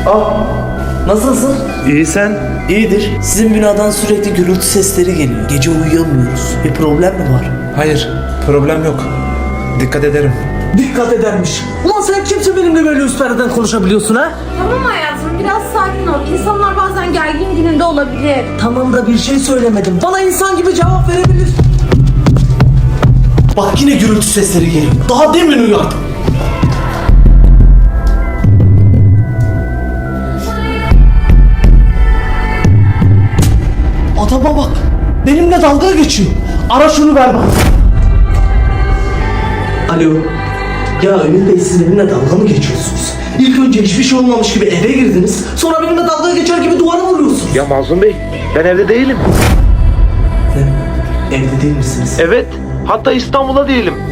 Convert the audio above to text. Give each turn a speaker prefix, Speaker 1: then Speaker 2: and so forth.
Speaker 1: Nasılsın?
Speaker 2: İyi sen?
Speaker 1: İyidir. Sizin binadan sürekli gürültü sesleri geliyor. Gece uyuyamıyoruz. Bir problem mi var?
Speaker 2: Hayır, problem yok. Dikkat ederim.
Speaker 1: Dikkat edermiş. Ulan sen kimse benimle böyle üst perdeden konuşabiliyorsun ha?
Speaker 3: Tamam hayatım, biraz sakin ol. İnsanlar bazen gergin gününde olabilir.
Speaker 1: Tamam da bir şey söylemedim. Bana insan gibi cevap verebilir. Bak yine gürültü sesleri geliyor. Daha demin uyandım. Adama bak. Benimle dalga geçiyor. Ara şunu ver bana. Alo. Ya Ümit Bey, siz benimle dalga mı geçiyorsunuz? İlk önce hiçbir şey olmamış gibi eve girdiniz. Sonra benimle dalga geçer gibi duvara vuruyorsunuz.
Speaker 2: Ya Mazlum Bey, ben evde değilim.
Speaker 1: Evde değil misiniz?
Speaker 2: Evet, hatta İstanbul'da değilim.